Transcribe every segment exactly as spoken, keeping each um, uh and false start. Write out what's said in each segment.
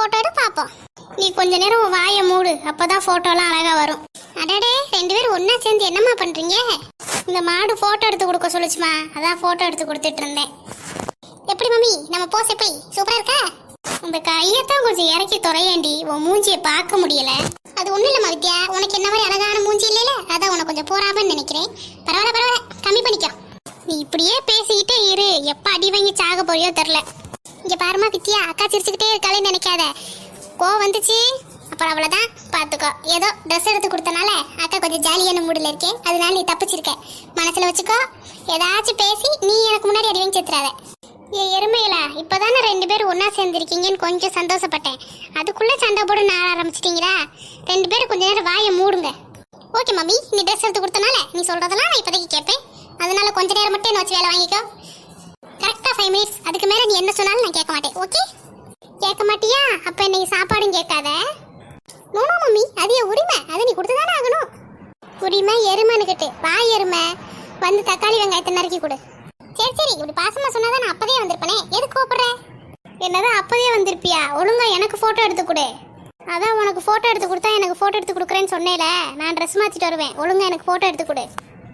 Photo எடு பாப்போம். நீ கொஞ்ச நேரம் உன் வாயை மூடு, அப்பதான் போட்டோலாம் அழகா வரும். அடடே, ரெண்டு பேரும் ஒன்னா சேர்ந்து என்னம்மா பண்றீங்க? இந்த மாடு போட்டோ எடுத்து கொடுக்க சொல்லுச்சுமா, அதான் போட்டோ எடுத்து கொடுத்துட்டு இருந்தேன். எப்படி மம்மி நம்ம போஸ் எப்படி சூப்பரா இருக்கா? இந்த கையத்தான் கொஞ்சம் இறக்கி துறையேண்டி, உன் மூஞ்சியை பார்க்க முடியல. அது ஒண்ணும் இல்லம்மா வித்யா, உனக்கு என்ன மாதிரி அழகான மூஞ்சி இல்லைல, அதான் உனக்கு கொஞ்சம் போறாமன்னு நினைக்கிறேன். பரவாயில்ல பரவாயில்ல, கம்மி பண்ணிக்கோ. நீ இப்படியே பேசிக்கிட்டே இரு, எப்ப அடி வாங்கி சாக போறியோ தெரியல. இங்க பாருமா வித்யா, அக்கா சிரிச்சுக்கிட்டே இருக்காளேன்னு நினைக்காத. கோவம் வந்துச்சு அப்புறம் அவ்வளவுதான், பாத்துக்கோ. ஏதோ ட்ரெஸ் எடுத்து கொடுத்தனால அக்கா கொஞ்சம் ஜாலியான மூடுல இருக்கேன், அதனால நீ தப்பிச்சிருக்க. மனசுல வச்சுக்கோ, ஏதாச்சும் பேசி நீ எனக்கு முன்னாடி அடி வாங்கி செத்துறாத. ஏ எருமையில, இப்பதானே ரெண்டு பேரும் ஒன்னா சேர்ந்துருக்கீங்கன்னு கொஞ்சம் சந்தோஷப்பட்டேன், அதுக்குள்ள சண்டை போட நான் ஆரம்பிச்சிட்டீங்களா? ரெண்டு பேரும் கொஞ்ச நேரம் வாயை மூடுங்க. ஓகே மம்மி, நீ ட்ரெஸ் எடுத்து கொடுத்தனால நீ சொல்றதெல்லாம் நான் இப்போதைக்கு கேட்பேன், அதனால கொஞ்ச நேரம் மட்டும் என்ன வச்சு வேலை வாங்கிக்கோ. கரெக்டா ஃபைவ் மினிட்ஸ், அதுக்கு மேல நீ என்ன சொன்னாலும் நான் கேட்க மாட்டேன். ஓகே? கேட்க மாட்டியா? அப்ப இன்னைக்கு சாப்பாடும் கேட்காத. நோனோ மம்மி, அது என் உரிமை, அதை நீ கொடுத்துதானே ஆகணும். உரிமை எருமைன்னுக்கிட்டு வாய் எருமை, வந்து தக்காளி வெங்காயத்தை நறுக்கி கொடு. சரி சரி, இப்படி பாசமா சொன்னாதான் நான் அப்பதே வந்திருப்பேனே, எதுக்கு கூப்பிடுற? என்னதான் அப்பதே வந்திருப்பியா? ஒழுங்கா எனக்கு போட்டோ எடுத்து கொடு. அதான் உனக்கு போட்டோ எடுத்து கொடுத்தா எனக்கு போட்டோ எடுத்து கொடுக்குறேன்னு சொன்னேல, நான் ட்ரெஸ் மாத்திட்டு வருவேன், ஒழுங்கா எனக்கு போட்டோ எடுத்து கொடு.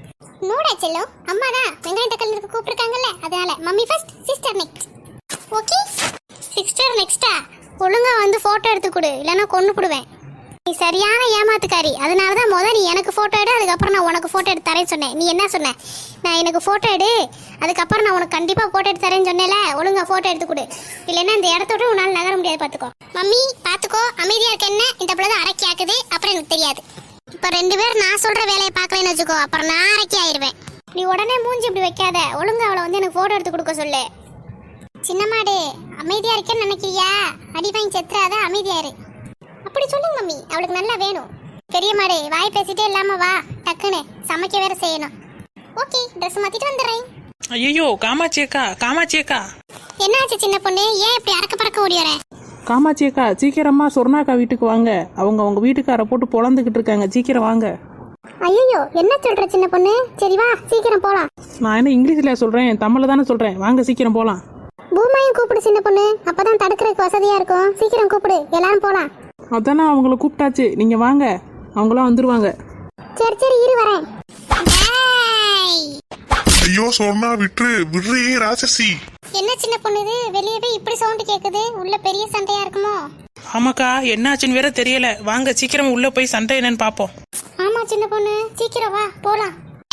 நோடா செல்லோ, அம்மா தான் வெங்காயம் தக்காளி இருக்கு கூப்பிட்டுருக்காங்கல்ல, அதனால mummy first, sister next. Okay? Sister நெக்ஸ்டா? ஒழுங்கா வந்து போட்டோ எடுத்து கொடு, இல்லைன்னா கொண்டு போடுவேன். நீ சரியான ஏமாத்துக்காரி, அதனால தான் முதல் நீ எனக்கு ஃபோட்டோ எடு, அதுக்கப்புறம் நான் உனக்கு ஃபோட்டோ எடுத்து தரேன்னு சொன்னேன். நீ என்ன சொன்ன? நான் எனக்கு ஃபோட்டோ எடு, அதுக்கப்புறம் நான் உனக்கு கண்டிப்பாக ஃபோட்டோ எடுத்து தரேன்னு சொன்னேல, ஒழுங்கா ஃபோட்டோ எடுத்து கொடு, இல்லைன்னா இந்த இடத்தோட உன்னால் நகர முடியாது. பார்த்துக்கோ மம்மி, பார்த்துக்கோ. அமைதியாக இருக்க என்ன இந்த பிள்ளை தான் அரக்கி ஆக்குது, அப்புறம் எனக்கு தெரியாது. இப்போ ரெண்டு பேரும் நான் சொல்கிற வேலையை பார்க்கலன்னு வச்சுக்கோ, அப்புறம் நான் அரக்கி ஆயிடுவேன். நீ உடனே மூஞ்சி இப்படி வைக்காத, ஒழுங்கா அவளை வந்து எனக்கு ஃபோட்டோ எடுத்து கொடுக்க சொல்லு. சின்ன மாடு, அமைதியாக இருக்கேன்னு நினைக்கிறியா? அடி வாங்கி செத்துறாத, அமைதியாரு. அப்படி சொல்லுங்க மம்மி, அவளுக்கு நல்லா வேணும். பெரிய மாடு, வாய் பேசிட்டே இல்லாம வா, டக்குன்னு சமைக்க வேற செய்யணும். ஓகே, ட்ரெஸ் மாத்திட்டு வந்துடுறேன். ஐயோ காமாட்சி அக்கா, காமாட்சி அக்கா. என்னாச்சு சின்ன பொண்ணு, ஏன் இப்படி அறக்க பறக்க ஓடி வர? காமாட்சி அக்கா, சீக்கிரமா சொர்ணாக்கா வீட்டுக்கு வாங்க, அவங்க அவங்க வீட்டுக்கார போட்டு பொழந்துக்கிட்டு இருக்காங்க, சீக்கிரம் வாங்க. ஐயோ, என்ன சொல்ற சின்ன பொண்ணு? சரி வா, சீக்கிரம் போலாம். நான் என்ன இங்கிலீஷ்ல சொல்றேன், தமிழ்ல தானே சொல்றேன், வாங்க சீக்கிரம் போலாம். பூமாயும் கூப்பிடு சின்ன பொண்ணு, அப்பதான் தடுக்கிறதுக்கு வசதியா இருக்கும். சீக்கிரம் கூப்பிடு, எல்லாரும் போலாம். அதானே அவங்கள கூப்பிட்டாச்சு, நீங்க வாங்க, அவங்களாம் வந்துருவாங்க. சரி சரி, இரு வரேன். ஐயோ சொன்னா விட்டு விடுறே ராட்சசி. என்ன சின்ன பொண்ணு இது, வெளியே போய் இப்படி சவுண்ட் கேக்குது, உள்ள பெரிய சண்டையா இருக்குமோ? ஆமாக்கா, என்னாச்சுன்னு வேற தெரியல, வாங்க சீக்கிரம் உள்ள போய் சண்டை என்னன்னு பாப்போம். ஆமா சின்ன பொண்ணு, சீக்கிரம் வா போலாம்.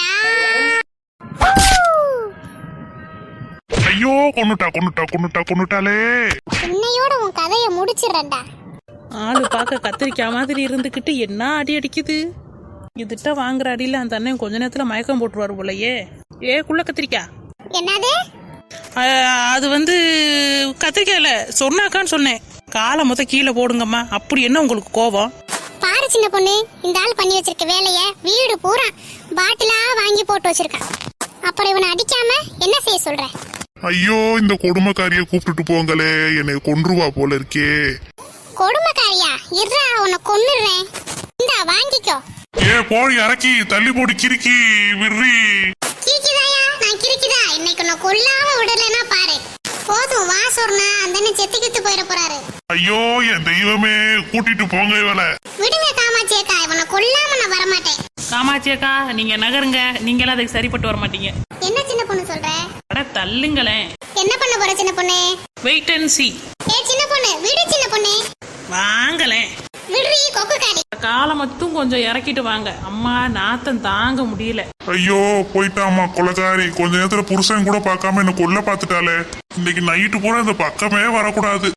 ஐயோ கொன்னுட்டா கொன்னுட்டா கொன்னுட்டா கொன்னுட்டாலே. இன்னையோட உன் கதையை முடிச்சிடறேன்டா. ஆளு பார்க்க கத்திரிக்காய் மாதிரி இருந்துகிட்டு என்ன அடி அடிக்குது. இதுட்ட வாங்குற அடியில அந்த அண்ணன் கொஞ்ச நேரத்துல மயக்கம் போட்டுருவாரு போலயே. ஏ குள்ள கத்திரிக்காய். என்னது? அது வந்து கத்திரிக்காய் இல்ல, சொன்னாக்கான்னு சொன்னேன். காலை மொத்த கீழே போடுங்கம்மா, அப்படி என்ன உங்களுக்கு கோபம்? பாரு சின்ன பொண்ணு, இந்த ஆள் பண்ணி வச்சிருக்க வேலைய வீடு பூரா பாட்டிலா வாங்கி போட்டு வச்சிருக்கான். அப்புறம் இவனை அடிக்காம என்ன செய்ய சொல்ற? ஐயோ இந்த கொடுமைக்காரிய கூப்பிட்டுட்டு போங்களே, என்னை கொன்றுவா போல இருக்கே. கொடுமைக்காரியா? இருடா, உன்னை கொன்னுடுறேன். இந்தா வாங்கிக்கோ. ஏ போடி அரக்கி, தள்ளி போடி கிறுக்கி விடுறி. கிறுக்கிதாயா? நான் கிறுக்கிதா? இன்னைக்கு உன்னை கொல்லாம விடலைன்னா பாரு. போதும் வா சொன்னா, அந்த செத்து கித்து போயிட போறாரு. ஐயோ என் தெய்வமே, கூட்டிட்டு போங்க இவளை. விடுங்க காமாட்சி அக்கா, இவனை கொல்லாம நான் வரமாட்டேன். காமாட்சி அக்கா, நீங்க நகருங்க, நீங்களாம் அதுக்கு சரிப்பட்டு வர மாட்டீங்க. என்ன சின்ன பொண்ணு சொல்ற? அட தள்ளுங்களேன். என்ன பண்ண போற சின்ன பொண்ணு? Wait and see. ஏ சின்ன பொண்ணு, விடு சின்ன பொண்ணு. வாங்களேன். விடுறீ கொக்குக்காரி. காலை மட்டும் கொஞ்சம் இறக்கிட்டு வாங்க, அம்மா நாத்தம் தாங்க முடியல. ஐயோ போயிட்டாமா கொலைக்காரி, கொஞ்ச நேரத்துல புருஷன் கூட பார்க்காம என்ன கொல்ல பாத்துட்டாலே. இன்னைக்கு நைட்டு பூரா இந்த பக்கமே வரக்கூடாது.